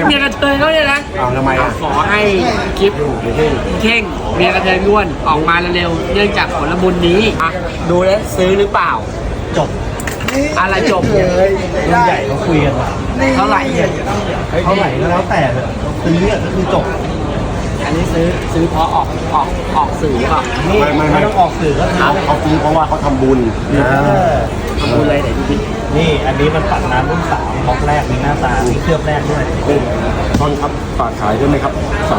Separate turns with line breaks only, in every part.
เมียกระเทยเขาเนี่ยนะ
เอาทำไมอ่ะ
ขอให้คลิปเข่งเมียกระเทยล้วนออกมาเร็วๆเนื่องจากผลบุญนี้อ่ะดูแล้วซื้อหรือเปล่า
จบ
อะไรจบ
รุ่นใหญ่เขาคุยกันว่า
เท่าไหร่
เท่าไหร่ก็แล้วแต่เถอะซื้อก็คือจบ
อันนี้ซื้อเพราะออกสื่อก่อน
นี่ไม่ต้องออกสื่อก็คือ
เขาซื้อเพราะว่าเขาทำบุญ
ทำบุญอะไรไหนดูดิ
นี่อันนี้มันปัดน้ำรุ่น3บล็อกแรกมีหน้าตามีเคลือบแรกด้วย
ตอนครับฝากขายด้วยไหมครับ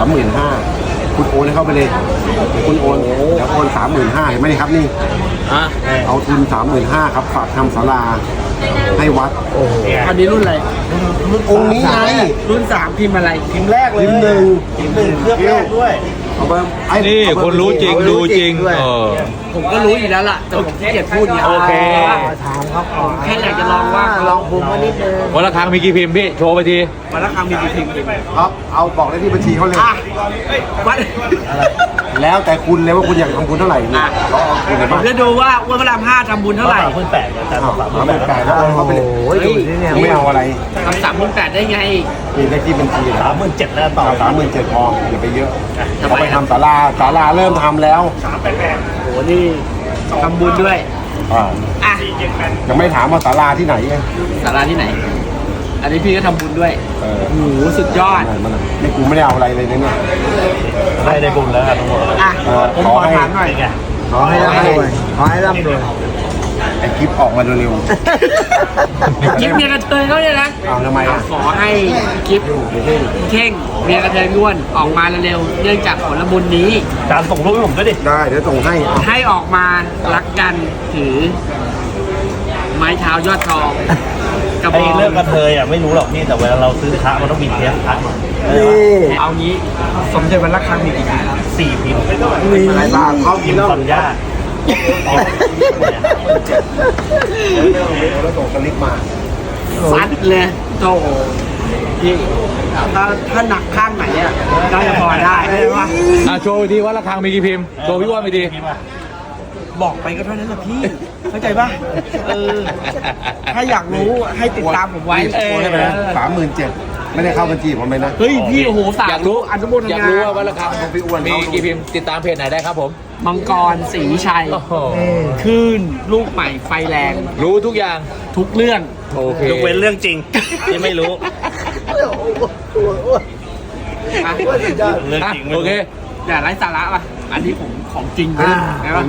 35,000คุณโอนให้เข้าไปเลยคุณโอนเดี๋ยวโอน 35,000เห็นไหมนี่ครับนี่
อ่ะ
เอาทุน 35,000ครับฝากทำศาลาให้วัด
เนี่ย
อันนี้รุ่นอะไร
องค์นี้ไง
รุ่น3พิมพ์อะไร
พิมพ์แรกเลย
พิมพ์หนึ่ง
พิมพ์หนึ่งเคลือบแรกด้วย
เอาไปไอ้
นี่คนรู้จริงดูจริงเออ
ผมก็รู้อยู่แล้วล่ะแต่ผมขี้เกียจพูดเนี่ย
โอเค
ถามเขาก่อน
แค่อยากจะลองว่าลองภูมิมานิดนึง
วันละครั้งมีกี่พิมพ์พี่โชว์ไปที
วันละคำมีกี่พิมพ์
ครับเอาบอกได้ที่บัญชีเขาเลย
อ่ะวัน
แล้วแต่คุณเลยว่าคุณอยากทำบุญเท่าไหร่นี่เราเอาคุณเลย
ผม
บ้าง
จะดูว่าอ้วนพระราม5ทำบุญเท่าไหร่
38อาจารย์บอก
38,000แล้วโอนเขาไปเลย
ดูสิ
เนี่ยไม่เอาอะไร
ทำ3,800ได้ไง
มีได้ที่บัญชีเลย
37,000แล้วต่อ
เอา37,000พออย่าไปเยอะ
ทำไม
เขาไปทำศาลาเริ่มทำแล้ว
โหนี่ทำบุญด้วย
อ่า
อ่ะ
ยังไม่ถามว่าศาลาที่ไหนไง
สาราที่ไหน อันนี้พี่ก็ทำบุญด้วย
เออ
โอ้โหสุดยอด
มันนี่กูไม่ได้เอาอะไรเลยนะเนี่ย
ได้บุญแล้วทั้งหมด
อ่ะผมขอถามหน่อย
ไง
ขอให้ร่ำรวย
ขอให้ร่ำรวย
ไอคลิปออกมาเร็ว
คลิปเมียกระเทยเขาเนี่ยนะ
ๆเอาทำไมอ่ะ
ขอให้คลิปเข่งเมียกระเทยล้วนออกมาเร็วๆเนื่องจากผลบุญนี้
อาจารย์ส่งรูปให้ผมด้วยดิ
ได้เดี๋ยวส่งให้เอา
ให้ออกมารักกันถือ ไม้เท้ายอดทองกระบ
ไอ้
อง
เรื่องกระเทยอ่ะไม่รู้หรอกนี่แต่เวลาเราซื้อพระมันต้องมีเทปพระมา
เอางี้สมเด็จวันละครั้งมีกี่ปี
4 พิมพ์
อะไรบ้างเขา
พิ
กิ
ม
น
พ์
แล้ว
ปัญญา
แล้วส่งสลิปมา
ซัดเลยโตพี่ถ้าหนักข้างไหนอ่ะน่าจะพอได้ใช่ปะ
โชว์ไปทีวันละครั้งมีกี่พิมพ์โชว์พี่ว่าไปที
บอกไปก็เท่านั้นแหละพี่ เข้าใจปะถ้าอยากรู้ให้ติดตามผมไว้
โอนให้ไปนะ37,000ไม่ได้เข้าบัญชีผมเลยนะ
เฮ้ยพี่โอ้โหสา
อยากรู้
อนุโมท
อยาก
นา
รู้ว่าวันละครั้ง
พี่อ้วน
มีกี่พิมพ์ติดตามเพจไหนได้ครับผม
มังกรศรีชัย
โอ้โห
คลื่นลูกใหม่ไฟแรง
รู้ทุกอย่าง
ทุกเรื่อง
โอเค
ยกเว้นเรื่องจริงที่ไม่รู้
อ่ะ
เรื่องจริงไม่
โอ
รู้
เค
อย่าไร้สาระป่ะอันนี้ผมของจริงใช่ปะ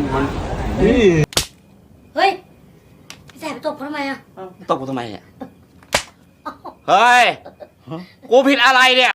เฮ้ยพี่แสบตบเขาทำไมอ่ะ
ตบกูทำไมอ่ะเฮ้ยกูผิดอะไรเนี่ย